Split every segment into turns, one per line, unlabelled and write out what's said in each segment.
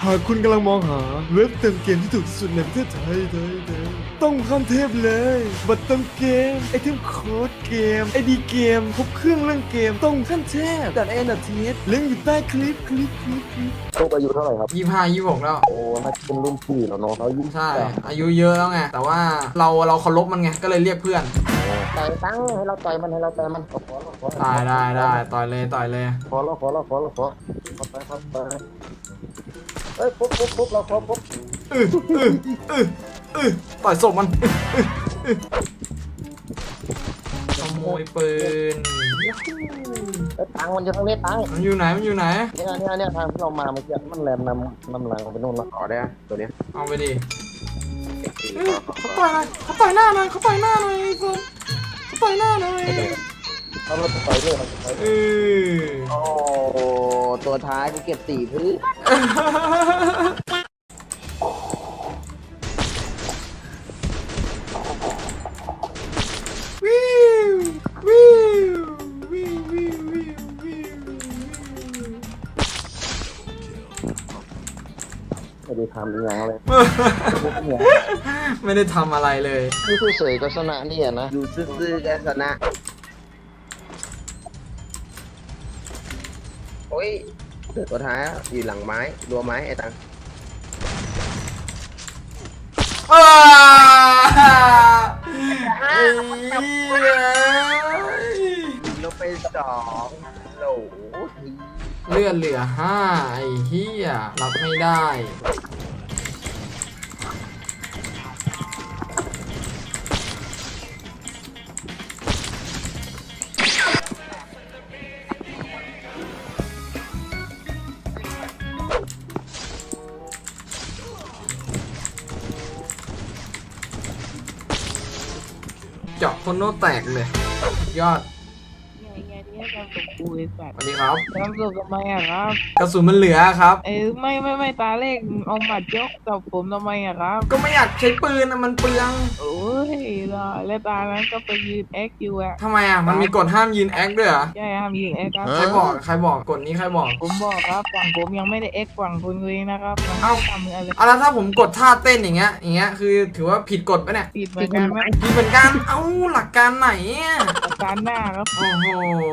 หากคุณกำลังมองหาเว็บเติมเกมที่ถูกที่สุดในประเทศไทยต้องขั้นเทพเลยบัตรเติมเกมไอเทมโค้ดเกมไอดีเกมครบเครื่องเรื่องเกมต้องขั้นเทพดัดเอ็นดัดทีสลิงก์อยู่ใต้คลิป
ลูกอายุเท่าไหร่ครับ
25 26แล้ว
โอ้น่าจะเป็นรุ่นพี่แล้วเนาะเขาอายุ
ใช่อายุเยอะแล้วไงแต่ว่าเราเคารพมันไงก็เลยเรียกเพื่อน
ต่อยตั้งให้เราต่อยมันให้เราต่อยมันขอ
ได้ต่อยเลย
ขอไปเอ้ยปุ๊บเราขอปุ๊บ
ต่อยศพมันขโมยปืน
ตังมันอยู่ทางนี้ตัง
มันอยู่ไหน
เนี่ยทางที่เรามาเมื่อกี้มันแลนนำหลังไปนู่นแล้วขอได้ตัวนี้
เอาไปดิเขาต่อยหน้าหน่อยเขาต่อยหน้าหน่อยเขาต่อยหน้าหน่อย
เขาเราต่อยเลย โอ้ตัวท้ายกูเก็บ4พื้นไม่ได้ทำอย่างเลย
ไม่ได้ทำอะไรเลย
ยูเฉยๆก็ชนะนี่นะอยู่ซื่อๆก็ชนะโอ้ยตัวท้ายอยู่หลังไม้รัวไม้ไอ้ตังลงไป2โหล
เลือดเหลือ5ไอ้เหี้ยรับไม่ได้เจาะคนโน้แตกเลยยอด
ไงเนี่ยทำกับกูไอ้สัต
ส
ว์
วัสดีครับ
ทำกับทำไมอะครับ
กระสุนมันเหลือครับ
ไม่ตาเลขเอาหมัดยกกับผมทำไมอะครับ
ก็ไม่อยากใช้ปืนนะมันเปลือง
โอ้ยแล้วตานั้นก็ไปยืนแอคอยู่อะ
ทำไมอ่ะมันมีกฎห้ามยืนแอคด้วยเหรอ
ใช่ห้ามยิงแอคครับ
ใครบอกกฎนี้ใครบอก
ผมบอกครับฝั่งผมยังไม่ได้แอคฝั่งคุณเลยนะครับมัน
เอ้า
ทำอะไร
เอาแล้วถ้าผมกดท่าเต้นอย่างเงี้ยคือถือว่าผิดกฎปะเนี่ย
ผิดเหมือนกันไหม
ผิดเหมือนกันเอ้าหลักการไหนอะ
อาการหน้าครับ
โอ้โห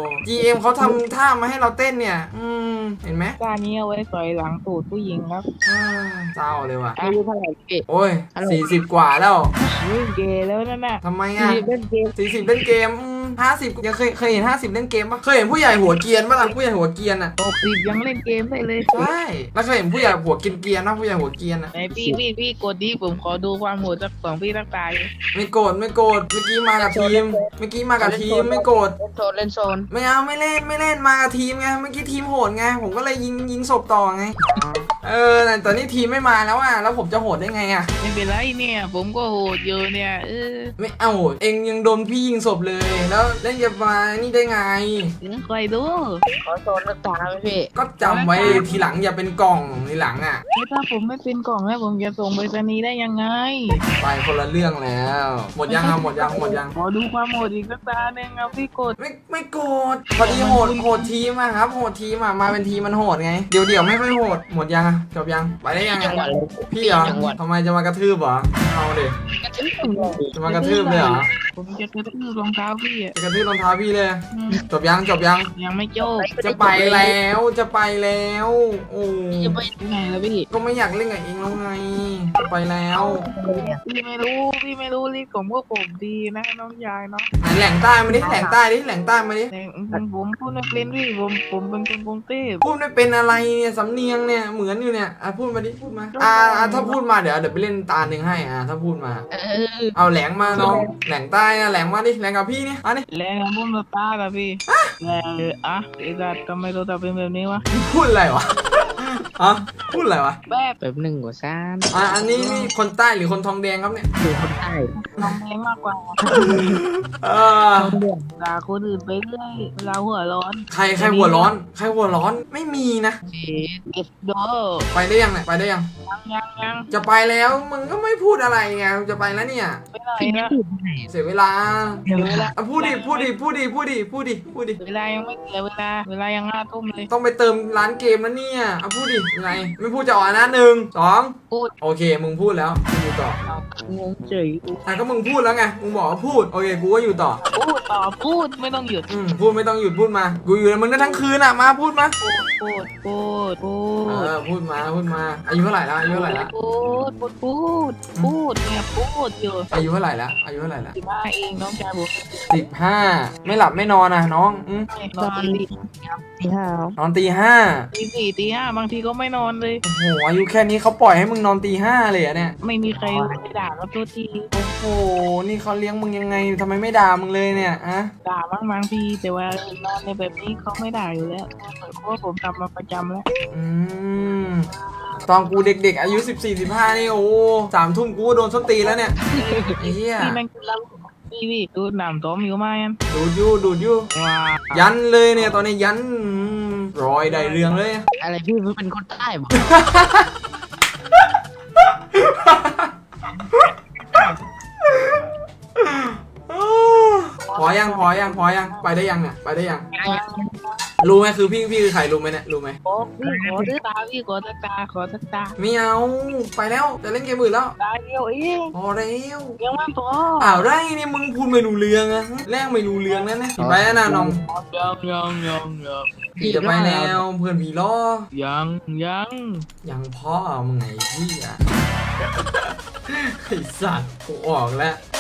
GM เขาทำท่ามาให้เราเต้นเนี่ย เห็นไหม
ตานี้เอาไว้สอยหลังตูดผู้หญิงครับ
เศร้าเลยว่ะ
อายุเท่าไหร่พี่
โอ้ย40 กว่าแล้ว
วิ่งเกย์แล้วนั่นน่ะ
ทำไมอ่ะ
พี่เล่นเกม
40เล่นเกม50ยังเคยเห็น50เล่นเกมปะเคยเห็นผู้ใหญ่หัวเกรียนปะล่ะผู้ใหญ่หัวเกรียนอ่ะ
60ยังเล่นเกมได้เลย
ใช่แล้วเคยเห็นผู้ใหญ่หัวเกรียนๆนะผู้ใหญ่หัวเกรียนอ่ะ
ไหนพี่กดดิผมขอดูความโหดจากของพี่ตั้งตาย
ไม่โกรธเมื่อกี้มากับทีมไม่โกรธ
เล่นโซน
ไม่เอาไม่เล่นมากับทีมไงเมื่อกี้ทีมโหดไงผมก็เลยยิงศพต่อไงแต่นี่ทีมไม่มาแล้วอ่ะแล้วผมจะโหดได้ไงอ่ะ
ไม่เป็นไรเนี่ย ผมก็โหดอยู่เนี่ย
ไม่เอาเองยังโดนพี่ยิงศพเลย แล้วจะมานี่ได้ไง
ใครดูขอโซนรักษาไหมพี่
ก็จำไว้ทีหลังอย่าเป็นกล่องทีหลังอ่ะ
ถ้าผมไม่เป็นกล่องแล้วผมจะส่งไปรษณีย์ได้ยังไง
ไปคนละเรื่องแล้ว หมดยังครับหมดยัง
ขอดูความโหดอีกสักตาหนึ่งครับพี่กด
ไม่โกรธพอดีโหดทีมอะครับโหดทีมอะมาเป็นทีมมันโหดไงเดี๋ยวไม่ค่อยโหดหมดยังอะจบยังไปได้ยังอะพี่เหรอทำไมจะมากระทืบเหรอเอาดิจะมากระทืบเลยเหรอ
ผมจะกระทืบรองเท้าพี่อ่ะ
จะกระทืบรองเท้าพี่เลยจบยัง
ยังไม่จบ
จะไปแล้วโอ้
จะไปไหนแล้วพี่
ก็ไม่อยากเล่นกับเองแล้วไงจะไปแล้ว
พี่ไม่รู้ลิสต์ของพวกผมดีนะน้องยายเนาะ
ไหนแหล่งใต้มาดิแหล่งใต้มาดิ
แต่ผมพูดไม่เป็นพี่ผมเป็นคนกรุงเทพ
พูดไม่เป็นอะไรเนี่ยสำเนียงเนี่ยเหมือนอยู่เนี่ยพูดมาดิพูดมาถ้าพูดมาเดี๋ยวไปเล่นตาหนึ่งให้ถ้าพูดมาเอาแหลงมาน้องแหลงใต้แหลงมาดิแหลงกับพี่นี่มาดิ
แรงนะพุ่มตากับพี่แรงไอ้สัตว์ทำไมเราทำเป็นแบบนี้วะ
พูดอะไรวะพูดอะไรวะ
แบบหนึ่งกว่าซ่าน
อันนี้นี่คนใต้หรือคนทองแดงครับเนี่ย
อยู่คนใต้ทำแรงมากกว่า
เออ
ด่าคนอื่นไปเรื่อยเวลาหัวร้อน
ใครหัวร้อนใครหัวร้อนไม่มีนะ
เอ็ดโด
ไปได้ยังเนี่ยไปได้ยัง
ยัง
จะไปแล้วมึงก็ไม่พูดอะไรไงจะไปแล้วเนี่ย
ไปไหนนะ
เสียเวลา
เวลา
อ่ะพูดดิ
เวลายังไม่เสียเวลายัง5 ทุ่มเลย
ต้องไปเติมร้านเกมแล้วเนี่ยอ่ะพูดดิยังไงไม่พูดจะอ่อนนะ1 2
พูด
โอเคมึงพูดแล้วกูอยู่ต่อ
เอางงเฉย
อ่ะก็มึงพูดแล้วไงมึงบอกว่าพูดโอเคกูก็อยู่ต่อ
พูดต่อพูดไม่ต้องหยุด
พูดไม่ต้องหยุดพูดมากูอยู่กับมึงได้ทั้งคืนอ่ะมาพูดมา
พูด
พูดมาอายุเท่าไหร่แล้วอายุเท่าไหร่แล้ว
พูดเนี่ยพูดอยู่
อายุเท่าไหร่แล้ว
15เองน้องชายผม
15ไม่หลับไม่นอนอ่ะน้อง
นอนดี
นอนตี 5
ตี 4 ตี 5บางทีก็ไม่นอนเลย
โอ้โหอายุแค่นี้เขาปล่อยให้มึงนอนตี 5เลยอ่ะเนี่ย
ไม่มีใครไปด่ากับตัวที
โอ้โหนี่เขาเลี้ยงมึงยังไงทำไมไม่ด่ามึงเลยเนี่ยอะ
ด่าบางทีแต่ว่านอนในแบบนี้เขาไม่ด่าอยู่แล้วเพราะว่าผมทำมาประจำแล้ว
อืมตอนกูเด็กๆอายุ 14-15นี่โอ้3 ทุ่มกูก็โดนส้นตีนแล้วเนี่ยไอ้เหี้ย
พี่นั่งกินเหล้าพี่ดูหนามต้มอยู่ไหมอัน
ดูดอยู่
ว้า
ยันเลยเนี่ยตอนนี้ยันรอยได้เรื่องเลย
อะไรพี่เป็นคนใต้บอก
พอยังไปได้ยังเนี่ยไปได้ยังรู้ไหมคือพี่คือใครรู้ไหมเนี่ยรู้ไหม
โอ้พี่ขอตาพี่ขอตา
ไม่เอาไปแล้วจะเล่นเกมอื่นแล้ว
ตาเดียวเอง
พอแล้ว
ยังไม่พอ
อ้าวไรนี่มึงพูดไม่รู้เรื่องอะแรกไม่รู้เรื่องนั่นนะไปแล้วนะน้อง
ยัง
พี่จะไปแล้วเพื่อนผีล้อ
ยัง
พ่อมึงไงพี่อะ ไอสัตว์กูออกแล้ว